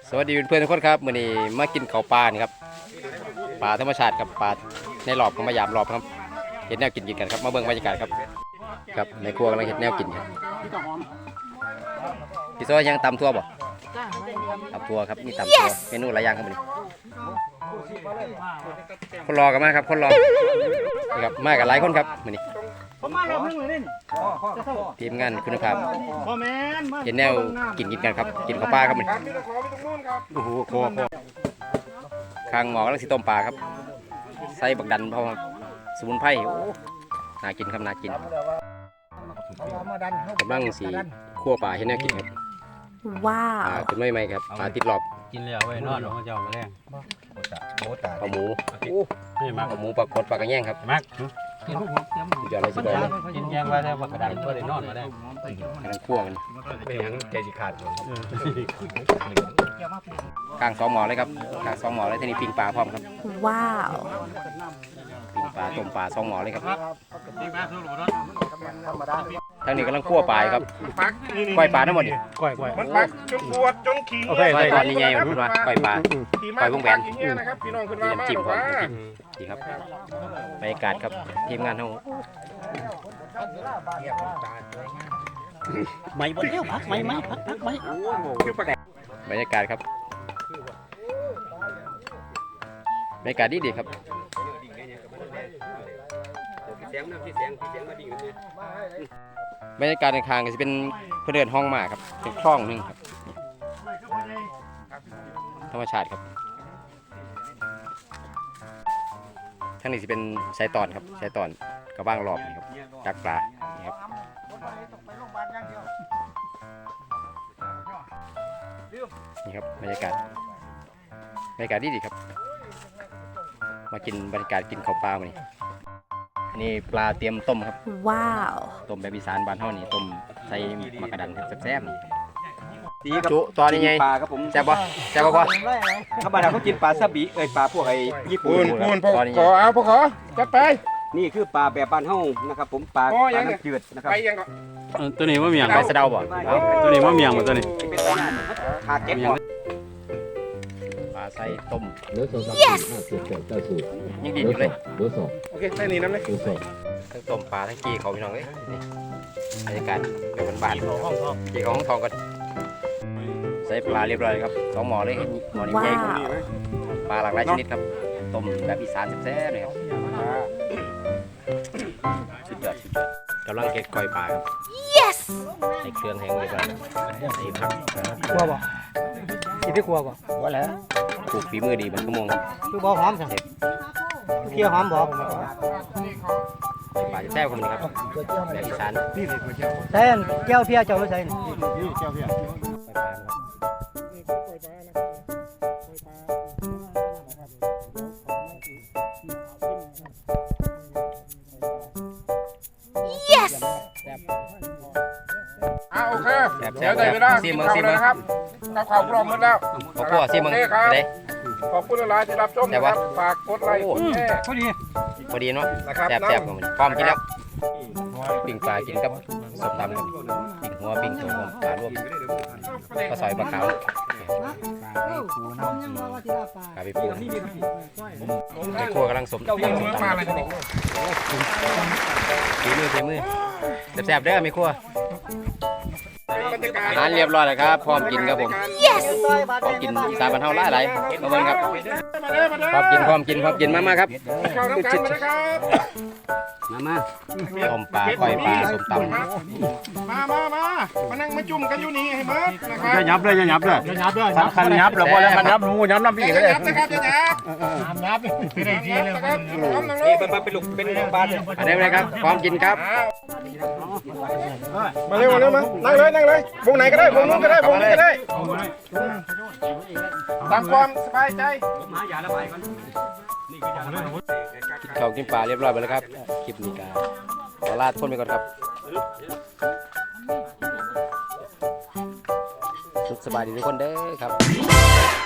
สวัสดีเพื่อนๆทุกคนครับมื้อนี้มากินข้าวปลานี่ครับปลาธรรมชาติครับปลาในหลอบของมายามหลอบครับเห็ดแนวกินกันครับมาเบิ่งบรรยากาศครับครับในครัวกำลังเห็ดแนวกินครับพี่โซ่ยังตำทั่วบ่ตำทั่วครับมีตำทั่วเมนูหลายอย่างครับมื้อนี้คนรอกันมาครับคนรอนี่ครับมากันหลายคนครับมื้อนี้ทีมงานคุณภาพเห็นแนวกินกันครับกินข้าวปลาครับมื้อนี้โอ้โหคอข้างหมอกำลังสิต้มปลาครับใส่บักดันพร้อมสมุนไพรโอ้น่ากินครับน่ากินกำลังสีคั่วปลาให้น่ากินครับว้าวปลาเป็นไม่ครับปลาติดหลอบกินแล้วไว้นอนของเจ้ามาแรงปลาหมูปลาหมูปลากดปลากระแยงครับมักสุดยอดเลยสุดยอดเลยกินแยงไว้แล้วกระดานก็ได้นอนมาได้กำลังคั่วมันเป็นอย่างใจสิขาดกลาง2 หม้อเลยครับกลาง2 หม้อเลยทีนี้ปิ้งปลาพร้อมครับว้าวปิ้งปลาต้มปลา2 หม้อเลยครับทางนี้กำลังคั่วปลาครับก้อยปลาทั้งหมดนี่ก้อยมันปักจนปวดจนขี้ก้อยตอนนี้ไงคุณว่าก้อยปลาก้อยวงแหวนนี่นะครับพี่น้องคุณว่ามาจิ้มพร้อมว่าดีครับบรรยากาศครับทีมงานเขาไม่บนเที่ยวพักไม่พักไม่บรรยากาศครับบรรยากาศดีครับบรรยากาศในคางก็จะเป็นเพื่อนเดินห้องหมาครับเป็นคลองหนึ่งครับธรรมชาติครับทั้งนี้จะเป็นสายตอนครับสายตอนกระบ้างรอบนี่ครับดักปลานี่ครับนี่ครับบรรยากาศดีครับมากินบรรยากาศกินข้าวปลามานี่อันนี้ปลาเตรียมต้มครับว้าวต้มแบบอีสานบ้านเฮานี่ต้มใส่มะกระดันแซ่บๆนี่จุตอนนี้ไงปลาครับผมแซ่บบ่พ่อถ้าบ้านเราเขากินปลาซาบิปลาพวกไอ้ญี่ปุ่นพอเอาพอจัดไปนี่คือปลาแบบบ้านเฮานะครับผมปลาน้ำจืดนะครับไปยังก็ตัวนี้ว่าเมียงไปสะเดาบ่ตัวนี้ว่าเมียงบ่ตัวนี้ขาเก็บปลาใส่ต้ม yes ยังดีอยู่เลยโอเคใส่นี่น้ำเลยทั้งต้มปลาทั้งกี้เขาพี่น้องเลยนี่บรรยากาศแบบบ้านๆกี้เขาห้องทองกันใส่ปลาเรียบร้อยครับ2 หม้อเลยหม้อนี้ใหญ่ปลาหลากหลายชนิดครับต้มแบบอีสานแซ่บๆเลยครับสุดยอดกำลังเก็บก้อยปลาครับ yes ใส่เครื่องแห้งเรียบร้อยใส่ผักครัวบ่กินที่ครัวบ่ว่าแล้วปลูกฝีมือดีมันก็มงครับคือบ่หอมสั่งเคี่ยวหอมบ่ปลาจะแซ่บคนนี้ครับแบบอีสานใส่แก้วเพียเจ้าไม่ใส่แก้วเพียโอเคเดี๋ยวได้เวลากินข้าวเลยครับข้าวพร้อมหมดแล้วขอบคุณมึงเด้ขอบคุณหลายที่รับชมนะครับฝากกดไลค์กดแชร์พอดีเนาะแซ่บๆกันพร้อมกินแล้วปิ้งปลากินกับส้มตำปิ้งหัวปิ้งตัวปลารวมก็ซอยปลาขาวกาไปปูในครัวกำลังสมตำฝีมือแซ่บๆเด้อไม่ครัวอาหารเรียบร้อยแล้วครับพร้อมกินครับผมพร้อมกินอีสานบ้านเฮาหลายๆมาเบิ่งครับพร้อมกินมาครับมาต้มปลาก้อยปลาส้มตำมานั่งมาจุ่มกันอยู่นี่ให้เบิดนะครับอย่ายับเลยคันยับแล้วพอแล้วมันยับหนูยับน้ำพี่เลยนะครับยับเป็นไอ้ทีเลยนี่เป็นลูกเป็นปลาอันนี้เลยครับพร้อมกินครับมาเร็วมานั่งเลยวงไหนก็ได้วงนู้นก็ได้วงนี้ก็ได้ตามความสบายใจกินข้าวกินปลาเรียบร้อยไปแล้วครับคลิปนี้ก็ขอลาทุกคนไปก่อนครับสุขสบายดีทุกคนเด้อครับ